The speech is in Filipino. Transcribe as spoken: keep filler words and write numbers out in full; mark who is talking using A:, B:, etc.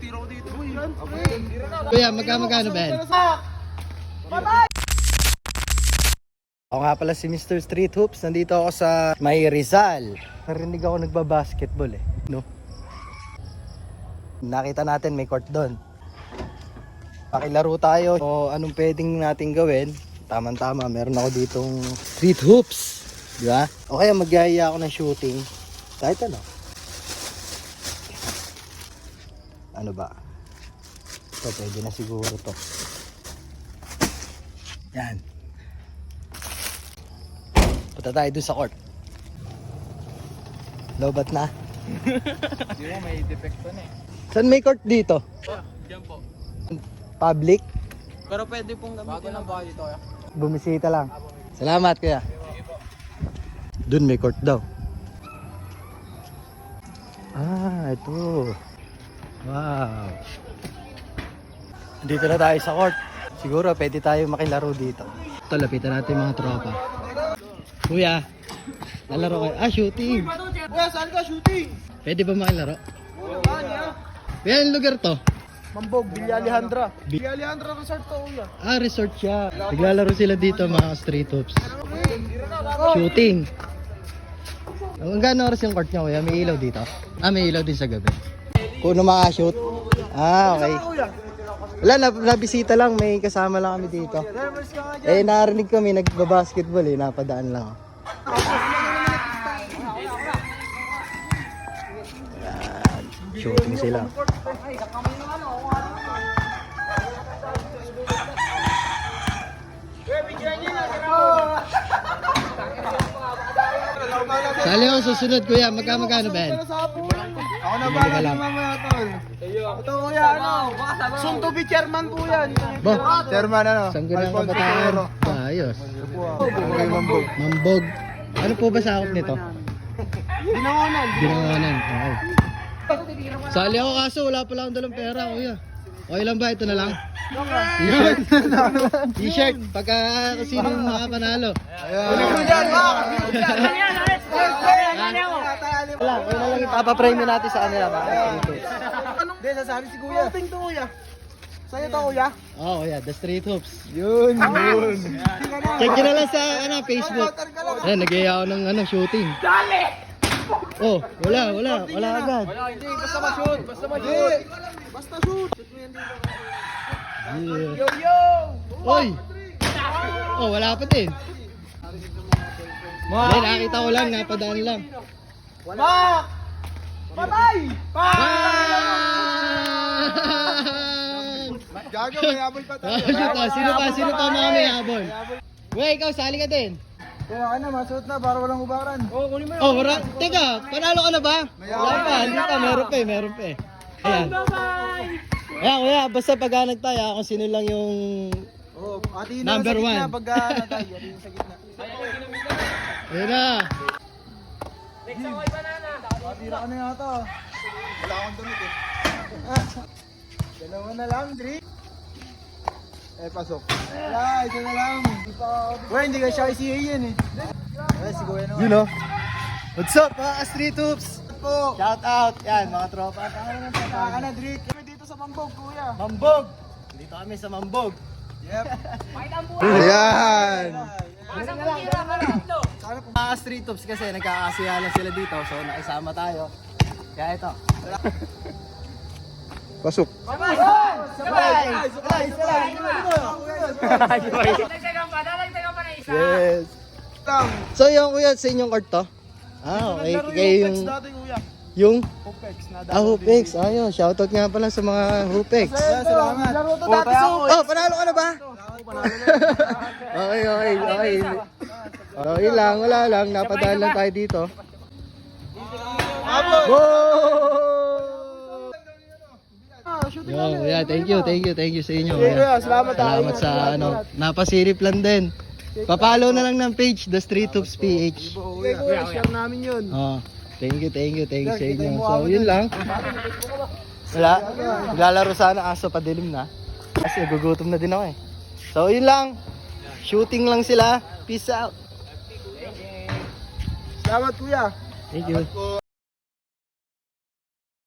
A: tira ko dito. Uy,
B: Kuya, magka-magkano ba yan? Ako nga pala si Mister Street Hoops. Nandito ako sa May Rizal. Narinig ako nagba-basketball eh. No? Nakita natin may court doon. Pakilaro tayo. O anong pwedeng natin gawin? Tama-tama, meron ako ditong street hoops. Di ba? O kaya magyaya ako ng shooting. Kahit ano. Ano ba? Ito, pwede na siguro to. Yan. Punta tayo dun sa court. Lobat na.
A: Hindi mo, may defecto na eh.
B: Saan may court dito?
A: Diyan po.
B: Public?
A: Pero pwede pong gamitin. Bago lang ba dito kaya?
B: Bumisita lang. Salamat kuya. Dun may court daw. Ah, ito. Wow. Dito na tayo sa court. Siguro pwede tayo makilaro dito. Ito, lapitan natin yung mga tropa. Kuya, lalaro kayo. Ah, shooting.
A: Kuya, saan ka shooting?
B: Pwede ba makilaro? Kuya, yung lugar to?
A: Mambog, Villa Alejandra. Villa Alejandra Resort to, kuya.
B: Ah, resort siya. Naglalaro sila dito mga street hoops. Shooting. Hanggang oras yung court niya kuya? May ilaw dito? Ah, may ilaw din sa gabi. Kung ano makashoot? Ah, okay. Wala, nab nabisita lang. May kasama lang kami dito. Eh, narinig kami nagbabasketball eh. Napadaan lang ako. Yan. Shooting sila. Sali ako susunod kuya. Magka-magkano ba yan?
A: Ako na ba lang mamaya tol? Ito kuya, ano? Soon to be chairman po yan.
B: Bo,
A: Chairman ano?
B: sanggo ng kabataan. Ah, ayos.
A: Okay, Mambog.
B: Mambog. Ano po ba sakop nito?
A: Binangonan.
B: Binanganan. Okay. Sali ako kaso wala pala akong dalang pera kuya. Okay lang ba? Ito na lang. T-shirt. T-shirt. Pagka sino yung makapanalo. Wala, wala lang ipapapremyo natin sa kanila.
A: Hindi, sasabi si kuya. Shooting to kuya. Sa'yo to kuya?
B: Oo kuya, The Street Hoops.
A: Yun, yun.
B: Check nyo na lang sa ano, Facebook. Ayan, nag-iya ako ng ano, shooting. Dali! Oh, wala, wala, wala agad.
A: Wala, hindi. Basta ma-shoot. Basta ma-shoot. Basta shoot.
B: Yeah.
A: Yo, yo!
B: Oy! Oh, wala pa din. Hindi, nakita ko lang, napadaan lang.
A: Pak! Patay! Pak!
B: Bang!
A: Gago, may habol pa tayo.
B: Ano to? Sino pa? Sino pa mga may habol? Wey, ikaw, sali ka din.
A: Kaya ka na, masuot na para walang hubaran. Oo, kunin mo
B: Oh, wala. Teka, panalo ka na ba? Wala pa, hindi pa. Meron pa eh, meron pa eh. Ayan. Ayan, kuya, basta pag nagtaya, kung sino lang yung...
A: Oo, ati
B: Number
A: sa
B: one.
A: gitna pag uh, tayo, ati sa gitna.
B: Ayan na.
A: Matira ka na yata. Wala akong damit eh. Dalawa na lang, Dri. Eh, pasok. Wala, isa na lang. Well, hindi ka siya I C A yan eh. Eh, si Kuya naman.
B: You know? What's up mga street hoops?
A: Po.
B: Shout out. Yan, mga tropa.
A: Saka ka na, Dri. Kami dito sa Mambog, Kuya.
B: Mambog. Dito kami sa Mambog.
A: Yep.
B: Ayan.
A: Sana po.
B: Mga street hoops kasi nagkakasiyalan sila dito. So nakisama tayo. Kaya ito.
A: Pasok.
B: Sabay!
A: Sabay! Sabay! Sabay!
B: Yes. So yung kuya, sa inyong court to? Ah, okay. Kayo yung...
A: dati, Kuya.
B: Yung?
A: Hopex na dati.
B: Ah, Hupex. Ayun, shoutout nga pala sa mga Hupex.
A: Salamat. Laro to dati sa
B: Oh, panalo ka na ba? Okay, okay, okay. Okay lang, wala lang. Napadaan lang tayo dito. Yo, yeah, thank you, thank you, thank you sa inyo.
A: Sige, Kuya, salamat, ah.
B: Salamat sa ano, napasilip lang din. Papalo na lang ng page, The Street Hoops P H.
A: Okay, Kuya, share namin yun.
B: Oh, thank you, thank you, thank you sa inyo. So, yun lang. Wala, naglalaro sana aso padilim na. Kasi gugutom na din ako eh. So, yun lang. Shooting lang sila. Peace out.
A: Salamat, Kuya.
B: Thank you.